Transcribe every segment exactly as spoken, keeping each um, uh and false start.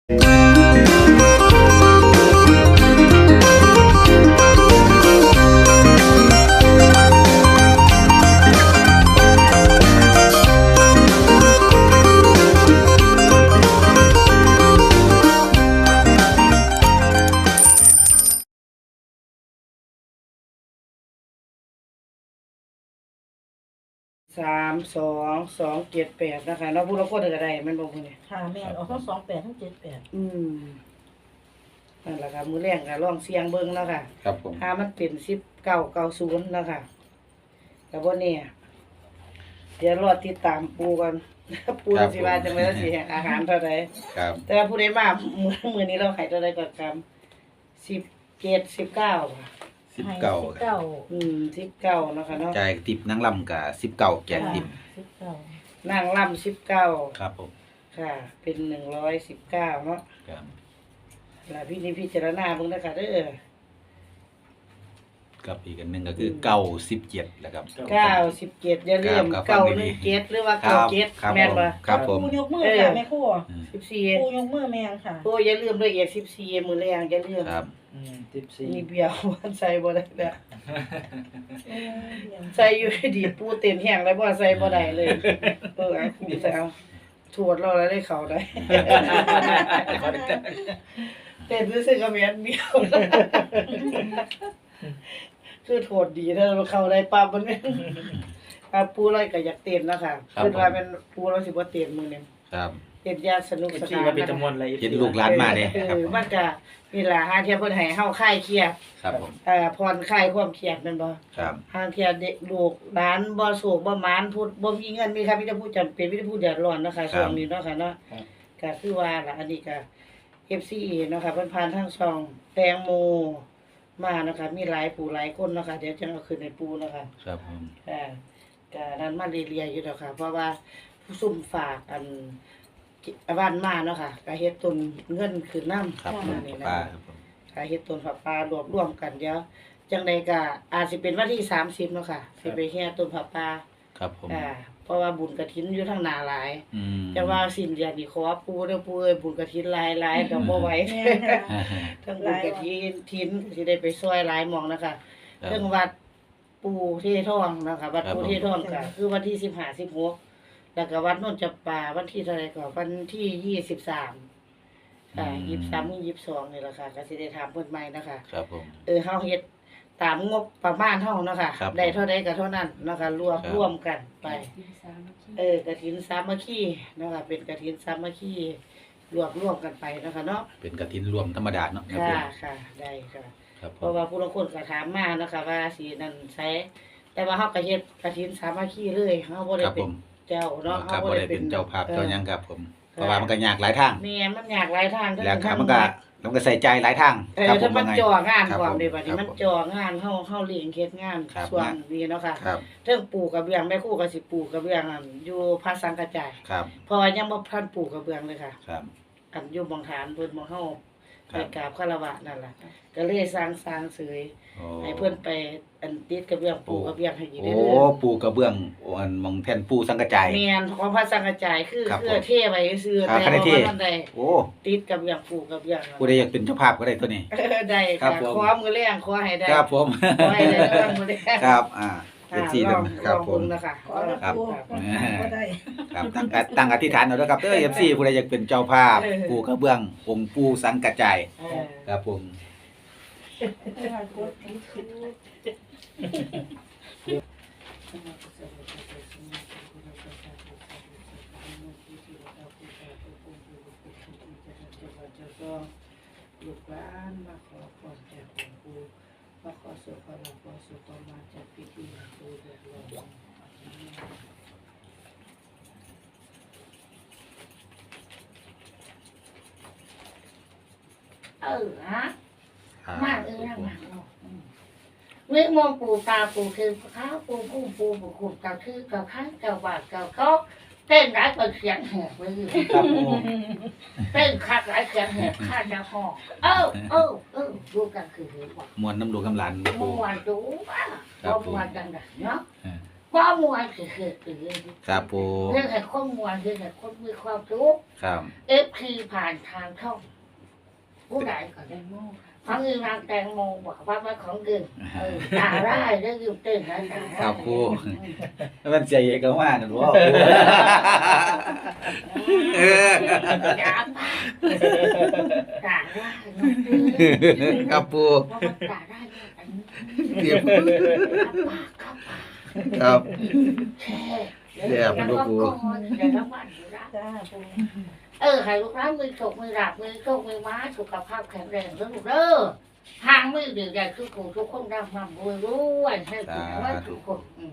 สามสองสองเจ็ดแปดนะคะเนาะผู้ละคนก็ได้มันบอกคนนี้ค่ะแม่นออกทั้งสองแปดทั้งเจ็ดแปดอืมนั่นแหละค่ะมือแรงค่ะลองเสียงเบิ้งแล้วค่ะครับผมถ้ามันเป็นสิบเก้าเก้าศูนย์แล้วค่ะแต่ว่าเนี่ยเดี๋ยวรอติดตามปูกันปูสิว่าจังเลยสิอาหารเท่าไรครับแต่ผู้ใดมามือมือนี้เราขายเท่าไรก็กำสิบเจ็ดสิบเก้าค่ะสิบเก้าสิบเก้าอืมสิบเก้านะคะเนาะจ่ายติปนั่งลำกับสิบเก้าแจกติปสิบเก้านั่งล่ำสิบเก้าครับผมค่ะ เป็นหนึ่งร้อยสิบเก้าเนาะครับแล้วพี่นี่พี่เจารณาเบิ่งนะคะเด้อกับอีกอันหนึ่งก็คือเก้าสิบเจ็ดแหละครับเก้าสิบเจ็ดอย่าลืมเก้าหนึ่งเจ็ดหรือว่าเก้าเจ็ดแม่นบ่ครับผมปูยกมือค่ะแม่ครูสิบสี่ปูยกมือแม่นค่ะปูอย่าลืมด้วยเอียดสิบสี่มือแรงอย่าลืมครับอืมสิบสี่มีเบี้ยวมันใส่บ่ได้แล้วใส่อยู่ดีปูเต็มแห้งแล้วบ่ใส่บ่ได้เลยเออครูใส่เอาถวดเราแล้วได้เข้าได้เต้นรู้สึกก็แม่นเบี้ยวคือโทษดีถ้าเราเข้าได้ปั๊บมันอ่ะปูเราก็อยากเต้นนะคะคือว่าเป็นปูเราสิบ่เต้นมื้อนี้ครับเต้นยาสนุกสนานก็เป็นจำนวนอะไรเห็นลูกหลานมาเด้ครับมันก็นี่ล่ะหาเที่ยเพิ่นให้เฮาคลายเครียดครับผมเอ่อผ่อนคลายความเครียดแม่นบ่ครับหาเที่ยเด็กลูกหลานบ่โศกบ่หมานพูดบ่มีเงินมีครับมีแต่ผู้จำเป็นมีแต่ผู้เดือดร้อนเนาะค่ะช่วงนี้เนาะค่ะเนาะก็คือว่าล่ะอันนี้ก็ เอฟ ซี เนาะค่ะเพิ่นผ่านทางช่องแตงโมมานะคะมีหลายผู้หลายคนเนาะค่ะเดี๋ยวจะเอาขึ้นให้ปูเนาะค่ะครับผมอ่าก็นั้นมาเรียๆอยู่ดอกค่ะเพราะว่าผู้ซุ่มฝากอันบ้านมาเนาะค่ะก็เฮ็ดต้นเงินขึ้นนำครับนี่นะป้าครับผมก็เฮ็ดต้นผักปลารวบรวมกันเดี๋ยวจังได๋ก็อาจสิเป็นวันที่สามสิบเนาะค่ะสิไปแห่ต้นผักปลาครับผมอ่าเพราะว่าบุญกฐินอยู่ทางหน้าหลายอืมแต่ว่าสิ้นเดือนนี่ขอปู่เด้อปู่เอ้ยบุญกฐินหลายๆก็บ่ไหวทั้งบุญกฐินทินสิได้ไปช่วยหลายหม่องนะคะเรื่องวัดปู่เททองนะคะวัดปู่เททองก็คือวันที่สิบห้า สิบหกแล้วก็วัดโนนจับป่าวันที่เท่าไหร่ก็วันที่ยี่สิบสามค่ะยี่สิบสาม ยี่สิบสองนี่แหละค่ะก็สิได้ถามเพิ่นใหม่นะคะครับผมเออเฮาเฮ็ดตามงบประมาณเฮาเนาะค่ะได้เท่าใดก็เท่านั้นเนาะค่ะรวมร่วมกันไปเออกฐินสามัคคีเนาะค่ะเป็นกฐินสามัคคีรวบรวมกันไปเนาะค่ะเนาะเป็นกฐินรวมธรรมดาเนาะค่ะค่ะได้ค่ะเพราะว่าผู้ลางคนก็ถามมาเนาะค่ะว่าสินั่นใช้แต่ว่าเฮาก็เฮ็ดกฐินสามัคคีเลยเฮาบ่ได้เป็นเจ้าเนาะเฮาบ่ได้เป็นเจ้าภาพเจ้าหยังครับผมเพราะว่ามันก็ยากหลายทางแม่มันยากหลายทางแล้วครับมันก็ต้องก็ใส่ใจหลายทางครับผมถ้ามันจ่องานพร้อมเด้บัดนี้มันจ่องานเฮาเฮาเลี้ยงเฮ็ดงานส่วนนี้เนาะค่ะเรื่องปลูกกระเบื้องแม่ครูก็สิปลูกกระเบื้องอันอยู่ภาคสังกระจายครับเพราะว่ายังบ่ทันปลูกกระเบื้องเลยค่ะครับอันอยู่บางฐานเพิ่นบ่เฮาไปกราบคารวะนั่นล่ะก็เลยสร้างสร้างเสยให้เพิ่นไปอันติดกระเบื้องปลูกกระเบื้องให้อีกเด้อโอ้ปูกระเบื้องอันมองแท่นปูสังกระจายแม่นของพระสังกระจายคือคือเทไว้ซื่อแต่ว่าบ่ได้โอ้ติดกระเบื้องปลูกกระเบื้องผู้ใดอยากเป็นเจ้าภาพก็ได้ตัวนี้ได้ค่ะขอมือแรงขอให้ได้ครับผมขอให้ได้มื้อแรงครับอ่าเป็นสี่เดือนครับผมนะคะครับครับตั้งตั้งอธิษฐานเอาด้วยครับเด้อ เอฟ ซี ผู้ใดอยากเป็นเจ้าภาพปูกระเบื้ององค์ปูสังกระจายครับผมลูกหลานมาขอพรจากองค์ปู่มาขอสุขขอลาภขอสุขมาจากพิธีปู่เดือดร้อนเออฮะมากเออมากเมื่อมองปู่ตาปู่คือข้าวปู่กุ้งปู่ปู่ขุ่มเก่าคือเก่าข้างเก่าบาดเก่าก็เต้นร้ายเปิดเสียงแหบเลยเต้นคักร้ายเสียงแหบข้าจะห้องเออเออเออดูกันคือหัวมวนน้ำลูกกำลันมวนดูว่าเรามวนกันเนาะมบ่มวนคือคือคือครับปูเรื่องให้คนมวนคือให้คนมีความสุขครับเอฟคือผ่านทางช่องผู้ใดก็ได้โม่ฟังอีนางแตงโมบอกว่ามันของเกินเออตาได้ได้ยืมเต้นนะตาครับปูมันใจเย็นก็ว่านั่นบ่เอออย่าปากตาได้เนาะครับปูเพราะว่าตาได้เนี่ยอันนี้เดี๋ยวปากเข้าปากครับแช่แช่มันก็แล้วปูก็ก่อนเดี๋ยวน้ำมันอยู่ละจ้าปูเออให้ลูกร้านมือโฉกมือหลับมือโชคมือม้าสุขภาพแข็งแรงแล้วลูกเด้อทางมือดื้อใหญ่คือกูทุกคนร่ำร่ำรวยรวยให้ถูกว่าทุกคนอืม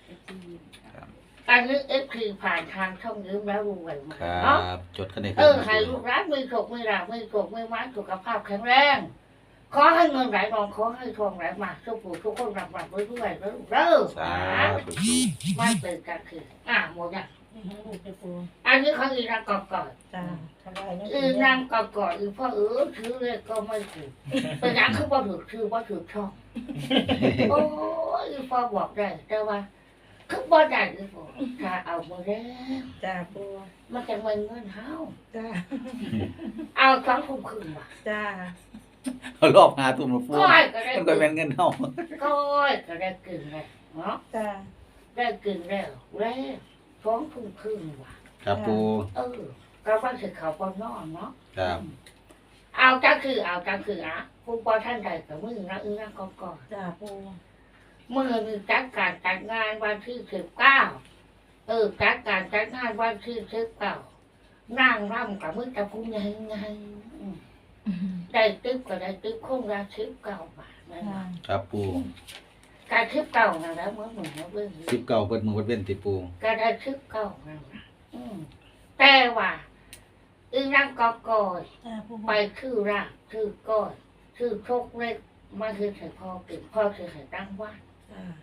การนึกเอฟคือผ่านทางช่องยืมแล้วรวยมาครัเนาะบจดกันได้คเอรับอให้ลูกร้านมือโฉกมือหลับมือโฉกมือม้าสุขภาพแข็งแรงขอให้เงินไหลนองขอให้ทองไหลมาทุกผู้ทุกคนร่ำร่ำรวยรวยแล้วลูกเด้อสาธุปูไม่เป็นการคืออ่ะหมดอ่ะลูกจะปูอันนี้เขาอีนางกอกก่อนจ้าทำได้นะอีนางกอกก่อนอีพ่อเออถือเลยก็ไม่ถูกเป็นอย่างคือว่าถือคือว่าถือช่องโอ้ยอีพ่อบอกได้แต่ว่าคือบ่ได้อีพ่อถ้าเอามาแล้วจ้าปูมันจะไม่เงินเฮาจ้าเอาสองทุ่มครึ่งว่ะจ้าเอารอบหาทุ่มมาปูก้อยก็ได้มันก็เป็นเงินเฮาก้อยก็ได้กึ่งแล้วเนาะจ้าได้กึ่งแล้วแล้วสองทุ่มครึ่งว่ะครับปูเออก็ว่าคือเขาปอนอนเนาะครับเอาก็คือเอาก็คืออ่ะผู้ปอท่านใดกับมือนะอึ้งนั่งก่อนก่อนจ้าปูมือมีจัดการจัดงานวันที่สิบเก้าเออจัดการจัดงานวันที่สิบเก้านั่งร่ำกับมือตะพุงไงไงอืมได้ตึ๊บก็ได้ตึ๊บคงละสิบเก้าบาทนั่นจ้าล่ะครับปูการสิบเก้านั่นแหละเมื่อหนุ่มเมื่อเบื่อสิบเก้าเปิดมือเปิดเว้นติปูก็ได้สิบเก้านั่นแหละอืมแต่ว่าอึ้งนั่งกอกอยจ้าปูไปคือรากคือก้อยคือโชคเล็กมาคือใส่พ่อเก่งพ่อคือใส่ตั้งว่านจ้าร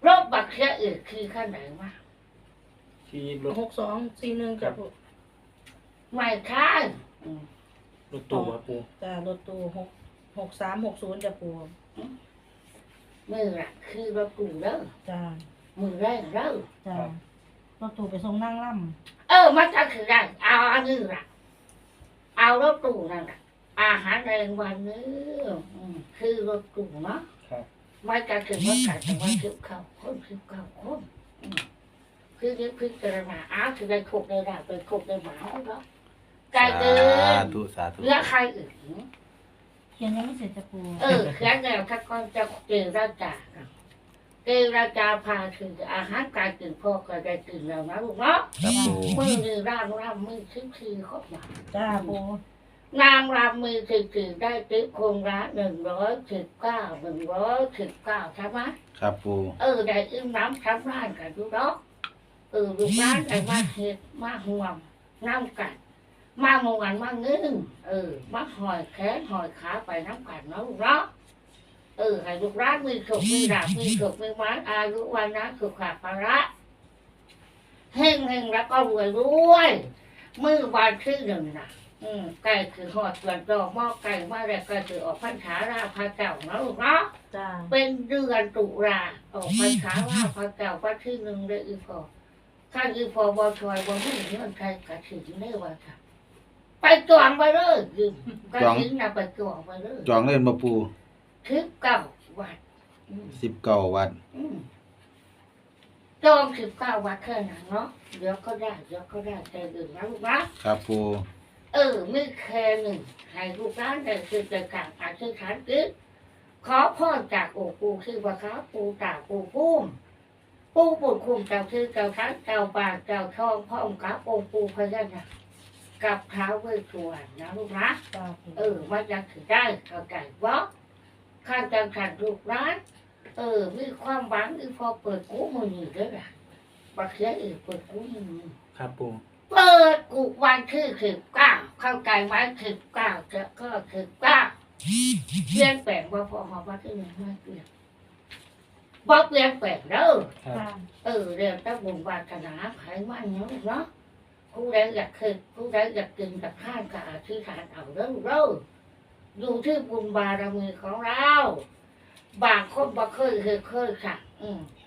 บบักเสียอื่นคือขั้นไหนวะที่รถหกสองสี่หนึ่งจ้าปูไม่ใช่อืมรถตู้ครับปูจ้ารถตู้หกหกสามหกศูนย์จ้าปูมือละคือรถกูเด้อจ้ามือแรงเด้อจ้ารถตู้ไปส่งนั่งล่เออมันจะคือได้เอาอันนี้ละเอารถกูนั่นแหละอาหารแรงวันนี้อืมคือรถกูเนาะครับไม่จะถึงว่าการแต่ว่าคิบเข้าคนคิบเข้าคนอืมคือนี่พิจารณาอ้าวคือได้ครบได้ได้เป็นครบได้หมาแล้วไกลเกิสาน ธุสาธุเหลือใครอื่นำเขียนยังไม่เสร็จจ้าปูเออแค่แนวถ้าก่อนจะเจราจาเจราจาพาถึงอาหารการกินพ่อก็ได้กินแล้วนะลูกเนาะครับปูมือนี่ร่างร่างมือชิคชีครบมาจ้าปูนางรำมือสิบสี่ได้ติ๊บคงละหนึ่งร้อยสิบเก้าหนึ่งร้อยสิบเก้าใช่ไหมครับปูเออได้อึ้งน้ำช้ำร้านกันดูดอกเออลูกร้านได้มาเห็ดมาห่วงน้ำกันมาหมวนมาเงึ้งเออมาหอยแขนหอยขาไปน้ำกันเนาะลูกเนาะเออให้ลูกร้านมีสุขมีดาบมีสุขมีไม้อายุวันนะสุขภาระเฮงเฮงแล้วก็รวยรวยมือวันที่หนึ่งนะอืมไก่คือหอดส่วนดอกหม้อไก่มาแล้วก็คือออกพรรษาราพาเจ้าเนาะลูกเนาะจ้าเป็นเดือนตุลาออกพรรษาราพาเจ้าวันที่หนึ่งเลยอีพอข้าอีพอบอชอยบอไม่เงินใครกระถิ่นได้ว่าค่ะไปจองไปเลยยืมกระถิ่นน่ะไปจองไปเลยจองเล่นมาปูทิพเก้าวัดอืมสิบเก้าวันอืมจองสิบเก้าวัดแค่นั้นเนาะเดี๋ยวก็ได้เดี๋ยวก็ได้ใจดื่มนะลูกนะครับปูเออไม่แค่หนึ่งให้ลูกร้านได้คือจะกลางอาชีพฐานกิจขอพ่อจากโอปูคือว่าครับปูตาปูพุ่มปูปูคุมเจ้าคือเจ้าทันเจ้าปากเจ้าช่องพ่อองค์กับองค์ปูพญานาคกับเท้าเวทสวรนะลูกนะจ้าปูเออมันจะถือได้เข้าใจว่าข้าจังขันลูกร้าน เออ มีความหวังอีพอเปิดกูมือหนึ่งด้วยล่ะบักเสียอีกเปิดกูมือหนึ่งครับปูเปิดกูวันที่สิบเก้าเข้าใจไหมสิบเก้าจะก็สิบเก้าเปลี่ยนแปลงว่าพอหอมว่าที่หนึ่งไม่เปลี่ยนบ่เปลี่ยนแปลงเด้อครับจ้าเออเรียนแต่บุญวาสนาไขมันเนาะลูกเนาะผู้ใดอยากเคยผู้ใดอยากกินกับข้านกับอธิษฐานเอาเด้อลูกเด้ออยู่ที่บุญบารมีของเรา บางคนบ่เคยเคยเคยค่ะ อืม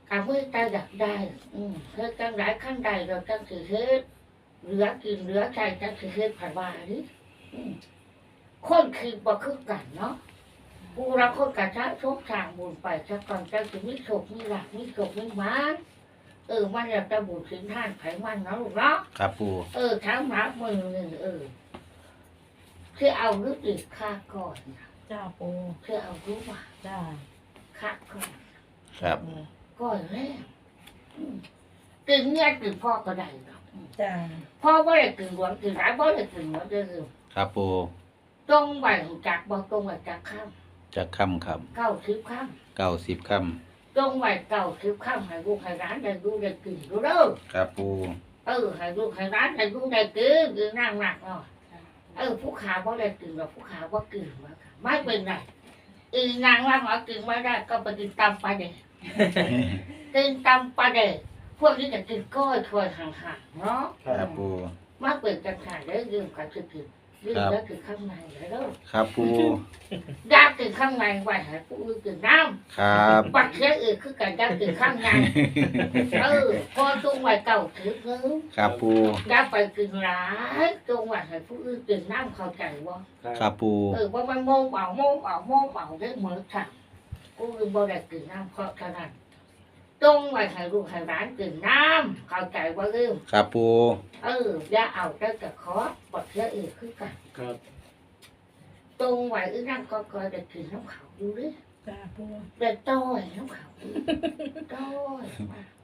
กับมือตาอยากได้อืมเฮ็ดจังไดขั้นใดเราจังสิเฮ็ดเหลือกินเหลือใช้จังสิเฮ็ดผ่านว่าดิอืมคนคือบ่คือกันเนาะกูรักคนกะชะโชคทางบุญไปสักก่อนจังสิมีโชคมีลาภมีโชคมีหมานเออมันแล้วแต่บุญสินท่านไผมันเนาะลูกเนาะครับปูเออทั้งหมามือหนึ่งเออคือเอาลูกอีกค่าก่อนนะจ้าปูคือเอาลูกว่าจ้าค่าก่อนครับก่อนแรกอืมกินเงี้ยกินพ่อก็ได้หรอกอืมจ้าพ่อว่าได้กินหลวงกินหลายบ่ได้กินหมดเด้อครับปูตรงไปจากบ่ตรงไปจากข้ามจะค่ำครับเก้าสิบข้ามเก้าสิบค่ตรงไปเก้าสิบข้ามให้ลูกให้ร้านได้ดูได้กินดูเด้อำครับปูเออให้ลูกให้ร้านได้ดูได้กินกินนั่งหนักเนาะเออผู้ขาบ่ได้กินหรอกผู้ขาบ่กินมาค่ะไม่เป็นไรอีนางว่าหมอกินไม่ได้ก็ไปกินตำปลาเด็ก กินตำปลาเด็กพวกนี้จะกินก้อยถวยห่างๆเนาะครับปูมาเปิดกันขายได้ยืมกันคือกินยืมแล้วคือข้างในแล้วครับปูยากินข้างในไว้ให้ผู้อื่นกินน้ครับำปักเสียอื่นคือกันยากินข้างในเออพอตรงไว้เก่าถือเนื้อครับปูยาไปกินร้ายตรงไว้ให้ผู้อื่นกินน้ำเข้าใจบ่ครับปูเออว่ามันโมเบาโมเบาโมเบาได้เหมือนกันกูคือบ่ได้กินน้ำเพราะฉะนั้นตรงไว้ให้ลูกให้ร้านกินน้ำเข้าใจว่าลืมครับปูเอออย่าเอาแต่กระขอปลดเชื้ออื่นคือกันครับตรงไว้อึนั่งก็คอยได้กินน้ำเขาอยู่ดิจ้าปูได้ต้อยน้ำเขาอยู่ต้อย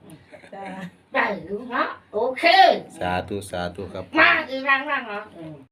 จ้าได้อยู่เนาะโอเคสาธุสาธุครับมาอีนั่งนั่งเนาะอืม